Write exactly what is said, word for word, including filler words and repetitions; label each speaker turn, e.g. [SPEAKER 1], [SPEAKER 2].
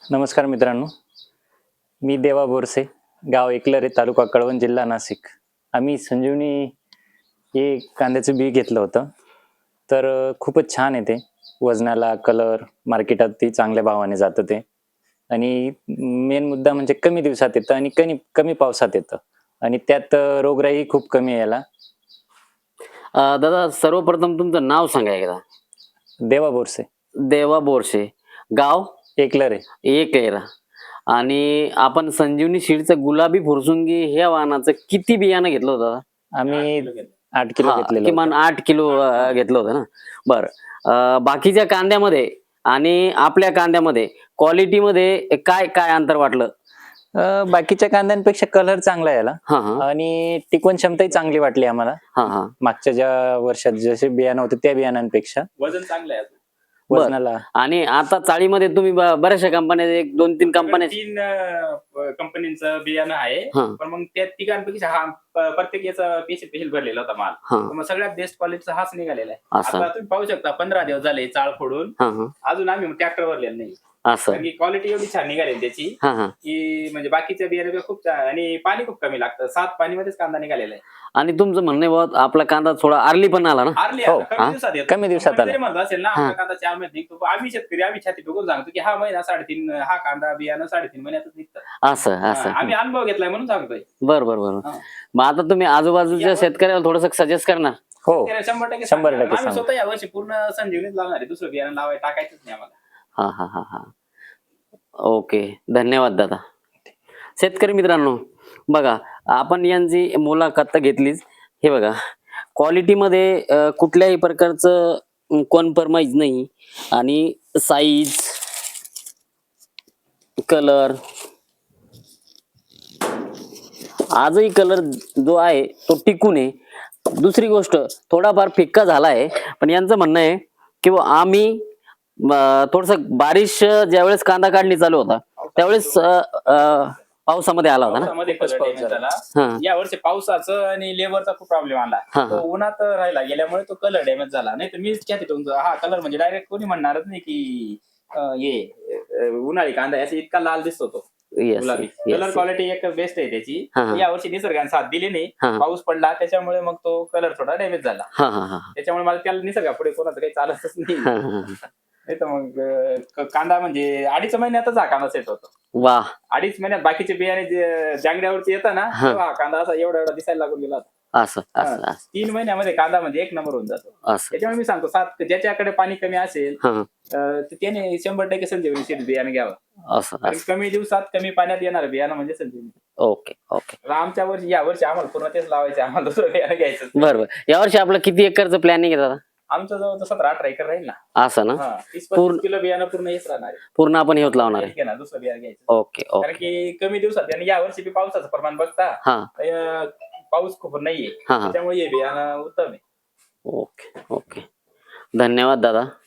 [SPEAKER 1] नमस्कार मित्रांनो, मी देवा बोरसे, गाव एकलरे, तालुका कळवण, जिल्हा नाशिक. आम्ही संजीवनी हे कांद्याचं बी घेतलं होतं. तर अ, खूपच छान आहे ते. वजनाला, कलर, मार्केटात ती चांगल्या भावाने जातं ते. आणि मेन मुद्दा म्हणजे कमी दिवसात येतं आणि कमी कमी पावसात येतं. आणि त्यात अ, रोगराई खूप कमी आहे याला.
[SPEAKER 2] अ, दादा सर्वप्रथम तुमचं नाव सांगा एकदा?
[SPEAKER 1] देवा बोरसे,
[SPEAKER 2] देवा बोरसे, गाव
[SPEAKER 1] एकलरे.
[SPEAKER 2] एकलेरा. आणि आपण संजीवनी सीडचं गुलाबी फुरसुंगी ह्या वाहनाचं किती बियाणं घेतलं होतं दादा?
[SPEAKER 1] आम्ही आठ किलो
[SPEAKER 2] हां,
[SPEAKER 1] घेतलेलं
[SPEAKER 2] किमान
[SPEAKER 1] होतं.
[SPEAKER 2] आठ किलो अ, घेतलं होतं ना? बरं. अ, बाकीच्या कांद्यामध्ये आणि आपल्या कांद्यामध्ये क्वालिटीमध्ये काय काय अंतर वाटलं?
[SPEAKER 1] अ, बाकीच्या कांद्यांपेक्षा कलर चांगला आहे याला
[SPEAKER 2] हां, हां.
[SPEAKER 1] आणि टिकवण क्षमताही चांगली वाटली आम्हाला.
[SPEAKER 2] हां, हां.
[SPEAKER 1] मागच्या ज्या वर्षात जसे बियाणं होते त्या बियाणांपेक्षा
[SPEAKER 3] वजन चांगलं आहे.
[SPEAKER 2] बरं.
[SPEAKER 1] वजनाला.
[SPEAKER 2] आणि आता चाळीमध्ये तुम्ही ब बऱ्याचशा कंपन्या एक दोन तीन कंपन्या
[SPEAKER 3] तीन अ, कंपनीचं बियाणं आहे.
[SPEAKER 2] हां.
[SPEAKER 3] पण मग त्या तिघांपैकी हा प- प्रत्येक याचा पेशल पेशल भरलेला होता माल.
[SPEAKER 2] हां.
[SPEAKER 3] तर मग सगळ्यात बेस्ट क्वालिटीचा हाच निघालेला आहे.
[SPEAKER 2] असं.
[SPEAKER 3] आता तुम्ही पाहू शकता पंधरा दिवस झाले चाळ फोडून
[SPEAKER 2] हां, हां.
[SPEAKER 3] अजून आम्ही ट्रॅक्टर भरलेला नाही.
[SPEAKER 2] असं.
[SPEAKER 3] कारण की क्वालिटी एवढी छान निघाली त्याची
[SPEAKER 2] हां, हां.
[SPEAKER 3] की म्हणजे बाकीच्या बियाण्यापेक्षा खूप छान आणि पाणी खूप कमी लागतं. सात पाणीमध्येच कांदा निघालेला आहे.
[SPEAKER 2] आणि तुमचं म्हणणं आहे बुवा आपला कांदा थोडा अर्ली पण आला ना?
[SPEAKER 3] आरली
[SPEAKER 1] हो,
[SPEAKER 3] आता
[SPEAKER 2] हा?
[SPEAKER 3] कमी दिवसात येतो.
[SPEAKER 1] कमी दिवसात
[SPEAKER 3] कंपनी
[SPEAKER 1] आला.
[SPEAKER 3] जरी म्हणत असेल ना
[SPEAKER 2] हां.
[SPEAKER 3] आपला कांदा चार महिन्यात निघतो. आम्ही शेतकरी आम्ही छाती ठोकून सांगतो की हा महिना साडेतीन हा कांदा बियाणं साडेतीन महिन्यातच निघतं.
[SPEAKER 2] असं, असं.
[SPEAKER 3] हा, आम्ही अनुभव घेतलाय म्हणून सांगतोय.
[SPEAKER 2] बरं, बरं, बरं.
[SPEAKER 3] हा.
[SPEAKER 2] मग आता तुम्ही आजूबाजूच्या
[SPEAKER 3] यावर-
[SPEAKER 2] शेतकऱ्याला थोडंसं सजेस्ट करणार?
[SPEAKER 1] हो,
[SPEAKER 3] त्याला शंभर टक्के
[SPEAKER 1] शंभर
[SPEAKER 3] सांगणार.
[SPEAKER 1] टक्के
[SPEAKER 3] आम्ही
[SPEAKER 1] सांगू.
[SPEAKER 3] स्वतः यावर्षी पूर्ण संजीवनीच लावणार आहे. दुसरं बियाणं लावायला टाकायचंच नाही आम्हाला.
[SPEAKER 2] हां, हां, हां, हां. ओके. धन्यवाद दादा. शेतकरी मित्रांनो, बघा आपण यांची मुलाखत तर घेतलीच. हे बघा क्वालिटीमध्ये अ, कुठल्याही प्रकारचं कॉम्प्रोमाइज नाही आणि साईज, कलर आजही कलर जो आहे तो टिकून आहे. दुसरी गोष्ट थोडाफार फिक्का झाला आहे, पण यांचं म्हणणं आहे की बुवा आम्ही अ, थोडंसं बारिश ज्यावेळेस कांदा काढणी चालू होता त्यावेळेस अ, अ, पावसामध्ये आला होता ना?
[SPEAKER 3] पावसामध्ये
[SPEAKER 1] खूपच
[SPEAKER 3] color
[SPEAKER 1] पाऊस
[SPEAKER 3] damage
[SPEAKER 1] झाला.
[SPEAKER 3] झाला.
[SPEAKER 2] हां.
[SPEAKER 3] या वर्षी पावसाचं आणि लेबरचा खूप प्रॉब्लेम आला.
[SPEAKER 2] हां,
[SPEAKER 3] तो
[SPEAKER 2] हां.
[SPEAKER 3] उन्हात राहिला गेल्यामुळे तो कलर डॅमेज झाला. नाही तर मीच छाती ठोकून हा कलर म्हणजे डायरेक्ट कोणी म्हणणारच नाही की अ, हे अ, उन्हाळी कांदा याचा इतका लाल दिसतो तो.
[SPEAKER 2] Yes,
[SPEAKER 3] गुलाबी
[SPEAKER 2] yes,
[SPEAKER 3] कलर
[SPEAKER 2] yes.
[SPEAKER 3] क्वालिटी एक बेस्ट आहे त्याची.
[SPEAKER 2] हां, हां.
[SPEAKER 3] या वर्षी निसर्गाने साथ दिली नाही.
[SPEAKER 2] हां.
[SPEAKER 3] पाऊस पडला त्याच्यामुळे मग तो कलर थोडा डॅमेज झाला.
[SPEAKER 2] हां, हां, हां.
[SPEAKER 3] त्याच्यामुळे मला त्याला निसर्गापुढे कोणाचं काही चालतच नाही.
[SPEAKER 2] हां, हां, हां.
[SPEAKER 3] नाही तर मग अ, क- कांदा म्हणजे अडीच महिन्यातच हा कांदा सेट होतो.
[SPEAKER 2] वाह!
[SPEAKER 3] अडीच महिन्यात बाकीचे बियाणे जे जांगड्यावरती येतं ना
[SPEAKER 2] हा.
[SPEAKER 3] तेव्हा हा कांदा असा एवढा एवढा दिसायला लागून गेला होता.
[SPEAKER 2] असं, असं,
[SPEAKER 3] हा.
[SPEAKER 2] असं,
[SPEAKER 3] तीन महिन्यामध्ये कांदा म्हणजे एक नंबर होऊन जातो.
[SPEAKER 2] असं.
[SPEAKER 3] त्याच्यामुळे मी सांगतो सात ज्याच्याकडे पाणी कमी असेल
[SPEAKER 2] हां,
[SPEAKER 3] अ, तर त्याने शंभर टक्के संजीवनी सीड बियाणं घ्यावं.
[SPEAKER 2] असं,
[SPEAKER 3] कारण
[SPEAKER 2] असं.
[SPEAKER 3] कमी दिवसात कमी पाण्यात येणार बियाणं म्हणजे संजीवनी.
[SPEAKER 2] Okay, okay.
[SPEAKER 3] आता आमच्या वर्षी या वर्षी आम्हाला पूर्ण तेच लावायचे आम्हाला दुसरं बियाणं घ्यायचं नाही.
[SPEAKER 2] बरं, बरं. यावर्षी आपलं किती एकरचं प्लॅनिंग आहे दादा?
[SPEAKER 3] आमचं जवळ सतरा अठरा एकर राहील ना.
[SPEAKER 2] असं ना?
[SPEAKER 3] हा तीस
[SPEAKER 2] पूर्ण-
[SPEAKER 3] पस्तीस किलो बियाणं पूर्ण हेच राहणार आहे.
[SPEAKER 2] पूर्ण आपण हेच लावणार आहे.
[SPEAKER 3] हेच घेणार दुसरं बियाणं घ्यायचं.
[SPEAKER 2] ओके,
[SPEAKER 3] कारण
[SPEAKER 2] ओके.
[SPEAKER 3] की कमी दिवसात आणि या वर्षी बी पावसाचं प्रमाण बघता
[SPEAKER 2] हां,
[SPEAKER 3] अ, पाऊस खूप नाहीये
[SPEAKER 2] हां, हां.
[SPEAKER 3] त्याच्यामुळे हे बियाणं उत्तम आहे.
[SPEAKER 2] Okay, okay. धन्यवाद दादा.